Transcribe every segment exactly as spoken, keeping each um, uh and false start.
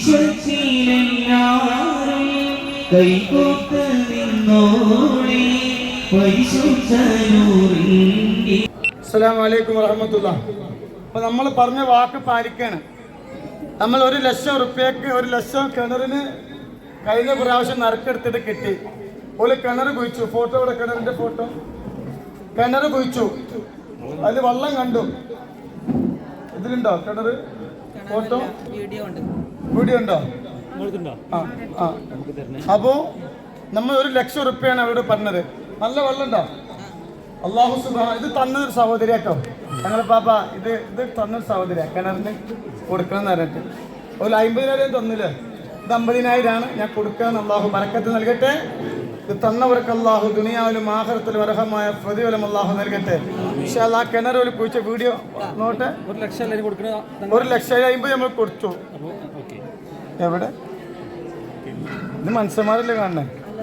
വിശ്വത്തിലെല്ലാരും കൈകോർത്ത് നിന്നോളെ പരിശുദ്ധ നൂറിൻ്റെ. അസ്സലാമു അലൈക്കും വറഹ്മത്തുള്ളാഹി. അപ്പോൾ നമ്മൾ പറഞ്ഞ വാക്ക് പാലിക്കാണ്. നമ്മൾ ഒരു ലക്ഷം റുപ്യക്ക് ഒരു ലക്ഷം കിണറിന് കഴിഞ്ഞ പ്രാവശ്യം നറുക്കെടുത്തിട്ട് കിട്ടി. ഒരു കിണർ കുഴിച്ചു. ഫോട്ടോ ഇവിടെ കിണറിന്റെ ഫോട്ടോ. കിണർ കുഴിച്ചു, അതിൽ വെള്ളം കണ്ടു. ഇതിലുണ്ടോ കിണർ ഫോട്ടോ? വീഡിയോ ഉണ്ടോ? ആ ആ അപ്പോ നമ്മൾ ഒരു ലക്ഷം റുപ്യാണ് അവരോട് പറഞ്ഞത്. നല്ല വെള്ളം ഉണ്ടോ? അള്ളാഹു സുബ്ഹാനഹു ഇത് തന്നൊരു സഹോദരി കേട്ടോ. ഞങ്ങൾ പാപ്പ ഇത് ഇത് തന്നൊരു സഹോദരിയാ കിണറിന് കൊടുക്കണം എന്ന് പറഞ്ഞിട്ട്. ഒരു അമ്പതിനായിരം തന്നില്ലേ? ഇത് അമ്പതിനായിരമാണ് ഞാൻ കൊടുക്കാന്ന്. അള്ളാഹു ബറക്കത്ത് നൽകട്ടെ. ഇത് തന്നവർക്ക് അള്ളാഹു ദുനിയാവിലും ആഖിറത്തിലും അർഹമായ പ്രതിഫലം അള്ളാഹു നൽകട്ടെ. പക്ഷെ ആ കിണർ ഒരു കുഴിച്ച വീഡിയോ നോട്ടെ. ഒരു ലക്ഷം ഒരു ലക്ഷം അമ്പത് നമ്മൾ കൊടുത്തു. എവിടെ ഇത് മനുഷ്യന്മാരല്ലേ കാണണേ?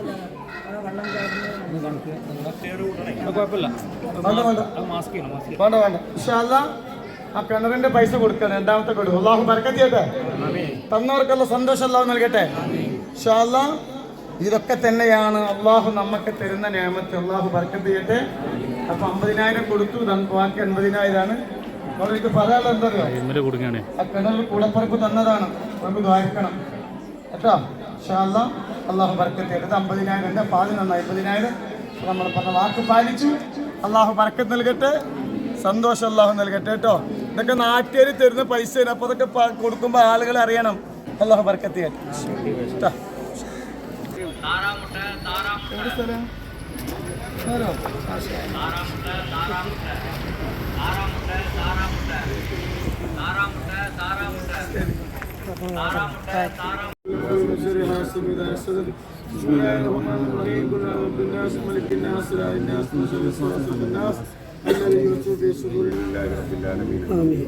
വേണ്ട വേണ്ട ഇൻഷാല്ലാ ആ കിണറിന്റെ പൈസ കൊടുക്കണം. രണ്ടാമത്തെ കൊടുക്കും. അള്ളാഹു ബർക്കത്ത് ചെയ്യട്ടെ. തന്നവർക്കുള്ള സന്തോഷം അള്ളാഹു നൽകട്ടെ ഇൻഷാല്ലാ. ഇതൊക്കെ തന്നെയാണ് അള്ളാഹു നമുക്ക് തരുന്ന നിഅമത്ത്. അള്ളാഹു ബർക്കത്ത് ചെയ്യട്ടെ. അപ്പൊ അമ്പതിനായിരം കൊടുത്തു, ബാക്കി അൻപതിനായിരമാണ്. അപ്പോൾ എനിക്ക് പറയാനുള്ള എന്താ അറിയോ, ആ കിണർ കൂടപ്പുറപ്പ് തന്നതാണ്. നമുക്ക് ദ്വാരിക്കണം കേട്ടോ ഇൻഷാല്ലാ. അള്ളാഹു ബർക്കത്ത് ചെയ്യട്ടെ. അമ്പതിനായിരം ഉണ്ട്, പാല് നന്നായി. അമ്പതിനായിരം നമ്മൾ പറഞ്ഞ വാക്ക് പാലിച്ചു. അള്ളാഹു ബർക്കത്ത് നൽകട്ടെ, സന്തോഷം അള്ളാഹു നൽകട്ടെ കേട്ടോ. ഇതൊക്കെ നാട്ടുകാർ തരുന്ന പൈസ. അപ്പോൾ അതൊക്കെ കൊടുക്കുമ്പോൾ ആളുകൾ അറിയണം. അള്ളാഹു ബർക്കത്ത് ചെയ്യട്ടെ. എവിടെ സ്ഥലം? بسم الله الرحمن الرحيم. قل اعوذ بالناس ملك الناس اله الناس من شر الوسواس الخناس الذي يوسوس في صدور الله رب العالمين. امين.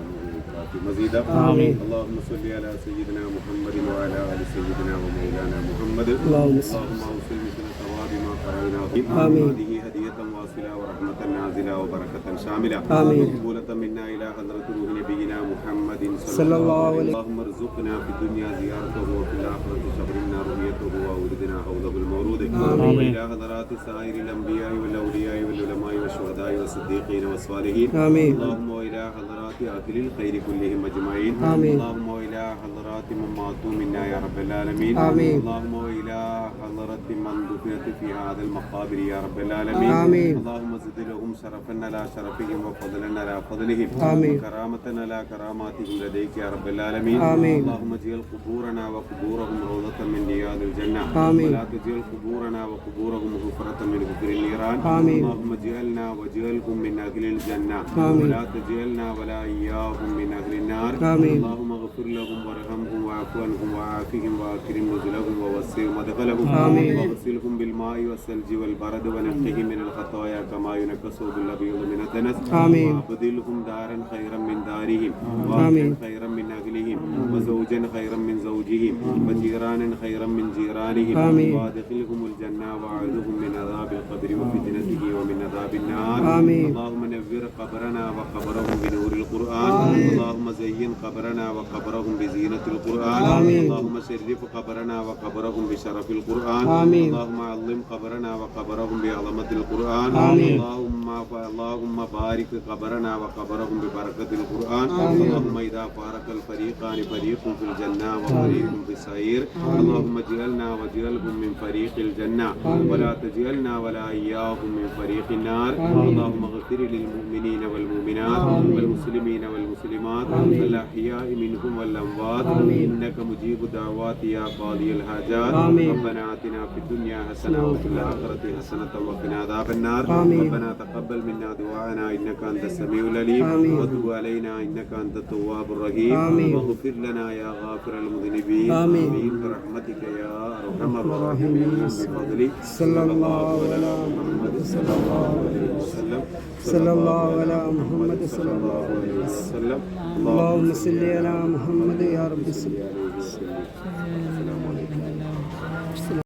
مزيدا آمين. اللهم صل على سيدنا محمد وعلى ال سيدنا ومولانا محمد. اللهم صل وسلم على ثواب ما قرأناه. آمين. هذه هدية واصلة ورحمة نازلة وبركة شاملة. آمين. مقبولة منا إلى حضرة روح نبينا محمد صلى الله عليه وسلم. اللهم ارزقنا في الدنيا زيارته وفي الآخرة شبرنا رؤيته وأوردنا حوضه المورود. آمين. إلى حضرات سائر الأنبياء والأولياء والعلماء والشهداء والصديقين والصالحين. آمين. اللهم إلى حضرات أهل الخير كلهم أجمعين. آمين. اللهم إلى حضرات من ماتوا منا يا رب العالمين. آمين. اللهم إلى حضرات من دفنت في هذا المقابر يا رب العالمين. آمين. اللهم زد لهم شرفا على شرفهم وفضلا على فضلهم. آمين. وكرامة على كراماتهم لديك يا رب العالمين. آمين. اللهم اجعل قبورنا وقبورهم روضة من رياض الجنة. آمين. ولا تجعل قبورنا وقبورهم حفرة من حفر النيران. آمين. اللهم اجعلنا واجعلهم من أهل الجنة. آمين. ولا تجعلنا ولا إياهم من أهل النار. آمين. اللهم اغفر لهم وارحمهم واعف عنهم وعافهم واكرم نزلهم ووسع مدخلهم. آمين. واغسلهم بالماء والثلج والبرد ونقهم من الخطايا كما ينقى الثوب الأبيض من الدنس. آمين. وابدلهم دارا خيرا من دارهم وأهلا خيرا من أهلهم وزوجا خيرا من زوجهم وجيرانا خيرا من جيرانهم. آمين. وادخلهم الجنة وأعذهم من عذاب القبر وفتنته ومن عذاب النار. آمين. اللهم نور قبرنا وقبرهم بنور القرآن. آمين. اللهم زين قبرنا وقبرهم بزينة القرآن. آمين. اللهم شرف قبرنا وقبرهم بشرف القرآن. آمين. اللهم علم قبرنا وقبرهم بعظمة القرآن. آمين. اللهم اللهم بارك قبرنا وقبرهم ببركة القرآن. آمين. اللهم إذا فارق الفريقان فريق في الجنة وفريق في السعير. اللهم اجعلنا واجعلهم من فريق الجنة. آمين. ولا تجعلنا ولا إياهم من فريق النار. آمين. اللهم اغفر للمؤمنين والمؤمنات. آمين. والمسلمين والمسلمات. آمين. الأحياء منهم والأموات. آمين. إنك مجيب الدعوات يا قاضي الحاجات. آمين. ربنا آتنا في الدنيا حسنة وفي الآخرة حسنة وقنا عذاب النار. آمين. ربنا تقبل منا دعاءنا إنك أنت السميع العليم. وتب علينا إنك أنت التواب الرحيم. آمين. واغفر لنا يا غافر المذنبين. آمين. برحمتك يا أرحم الراحمين. بفضلك صلى الله على محمد صلى الله عليه وسلم. صلى الله على محمد صلى الله عليه وسلم. اللهم صل على محمد يا رب.